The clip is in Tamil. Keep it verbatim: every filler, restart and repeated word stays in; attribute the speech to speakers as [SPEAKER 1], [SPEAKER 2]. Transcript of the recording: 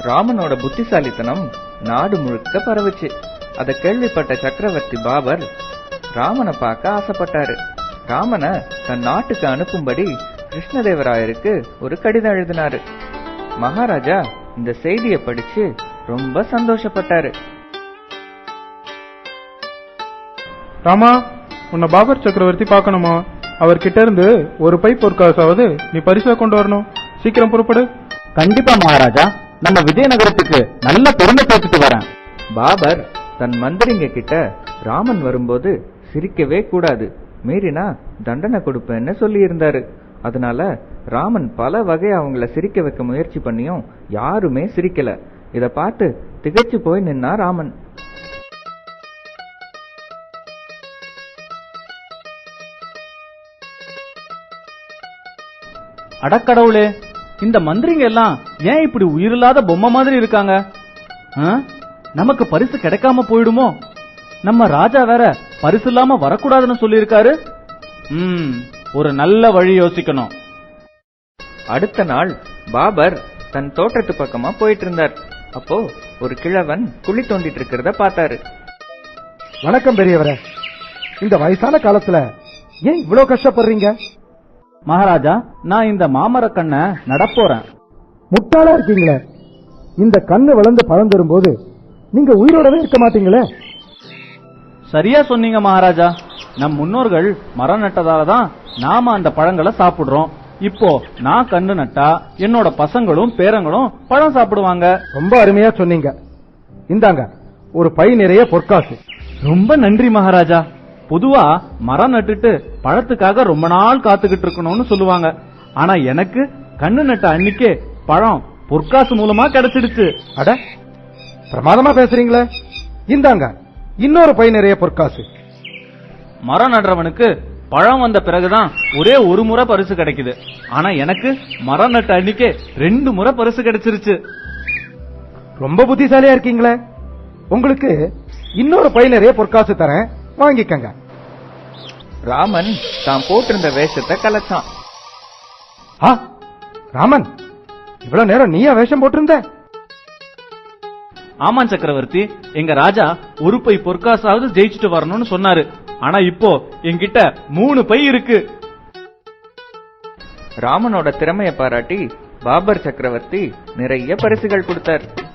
[SPEAKER 1] ராமனோட புத்திசாலித்தனம் நாடு முழுக்க பரவுச்சு. அதை கேள்விப்பட்ட சக்கரவர்த்தி பாபர் ராமனை பார்க்க ஆசைப்பட்டாரு. ராமனை தன் நாட்டுக்கு அனுப்பும்படி கிருஷ்ணதேவராயருக்கு ஒரு கடிதம் எழுதினாரு. மகாராஜா இந்த செய்தியை படிச்சு ரொம்ப சந்தோஷப்பட்டாரு.
[SPEAKER 2] ராமா, உன்னை பாபர் சக்கரவர்த்தி பார்க்கணுமா? அவர்கிட்ட இருந்து ஒரு பை பொற்காசாவது நீ பரிசா கொண்டு வரணும். சீக்கிரம் புறப்படு.
[SPEAKER 3] கண்டிப்பா மகாராஜா, நம்ம விஜயநகரத்துக்கு நல்ல பெருமை பேசிட்டு வரேன்.
[SPEAKER 1] பாபர் தன் மந்திரிங்க கிட்ட ராமன் வரும்போது சிரிக்கவே கூடாது, மீறினா தண்டனை கொடுப்பேன்னு சொல்லி இருந்தாரு. அதனால ராமன் பல வகை அவங்கள சிரிக்க வைக்க முயற்சி பண்ணியும் யாருமே சிரிக்கல. இத பார்த்து திகைச்சு போய் நின்னா ராமன்.
[SPEAKER 3] அடக்கடவுளே, இந்த மந்திரிங்க எல்லாம் ஏன் இப்படி உயிரில்லாத பொம்மை மாதிரி இருக்காங்க? நமக்கு பரிசு கிடைக்காம போயிடுமோ? நம்ம ராஜா வேற பரிசு இல்லாம வரக்கூடாதுன்னு சொல்லி இருக்காரு. ம் ஒரு நல்ல வழி யோசிக்கணும்.
[SPEAKER 1] அடுத்த நாள் பாபர் தன் தோட்டத்து பக்கமா போயிட்டு இருந்தார். அப்போ ஒரு கிழவன் குழி தோண்டிட்டு இருக்கிறத பார்த்தாரு.
[SPEAKER 4] வணக்கம் பெரியவரே, இந்த வயசான காலத்துல ஏன் இவ்வளவு கஷ்டப்படுறீங்க?
[SPEAKER 3] மகாராஜா, நான் இந்த மாமர கண்ணை நடப்போறேன்.
[SPEAKER 4] முட்டாளா இருக்கீங்களே, இந்த கண்ணு வளர்ந்து பழம் தரும்போது நீங்க உயிரோடவே இருக்க மாட்டீங்களே.
[SPEAKER 3] சரியா சொன்னீங்க மகாராஜா. நம் முன்னோர்கள் மரம் நட்டதாலதான் நாம அந்த பழங்களை சாப்பிடுறோம். இப்போ நான் கண்ணு நட்டா என்னோட பசங்களும் பேரங்களும் பழம் சாப்பிடுவாங்க.
[SPEAKER 4] ரொம்ப அருமையா சொன்னீங்க. இந்தாங்க ஒரு பை நிறைய பொற்காசு.
[SPEAKER 3] ரொம்ப நன்றி மகாராஜா. பொதுவா மரம் நட்டுட்டு பழத்துக்காக ரொம்ப நாள் காத்துக்கிட்டு இருக்கணும்னு சொல்லுவாங்க. ஆனா எனக்கு கண்ணு நட்ட அன்னைக்கே பழம் பொற்காசு மூலமா கிடைச்சிடுச்சு.
[SPEAKER 4] அட, பிரமாதமா பேசுறீங்களே. இந்தாங்க இன்னொரு பை நிறைய பொற்காசு.
[SPEAKER 3] மரம் நடுறவனுக்கு பழம் வந்த பிறகுதான் ஒரே ஒரு முறை பரிசு கிடைக்குது. ஆனா எனக்கு மரம் நட்ட அன்னைக்கே ரெண்டு முறை பரிசு கிடைச்சிருச்சு.
[SPEAKER 4] ரொம்ப புத்திசாலியா இருக்கீங்களே. உங்களுக்கு இன்னொரு பை நிறைய பொற்காசு தரேன், வாங்கிக்கங்க.
[SPEAKER 1] ராமன் தான் போட்டிருந்த வேஷத்தை கலைச்சான்.
[SPEAKER 4] ஆ, ராமன், இவ்வளவு நேரம் நீயா வேஷம் போட்டிருந்த?
[SPEAKER 3] ஆமா சக்கரவர்த்தி, எங்க ராஜா ஒரு பை பொற்காசாவது ஜெயிச்சுட்டு வரணும்னு சொன்னாரு. ஆனா இப்போ என்கிட்ட மூணு பை இருக்கு.
[SPEAKER 1] ராமனோட திறமையை பாராட்டி பாபர் சக்கரவர்த்தி நிறைய பரிசுகள் கொடுத்தார்.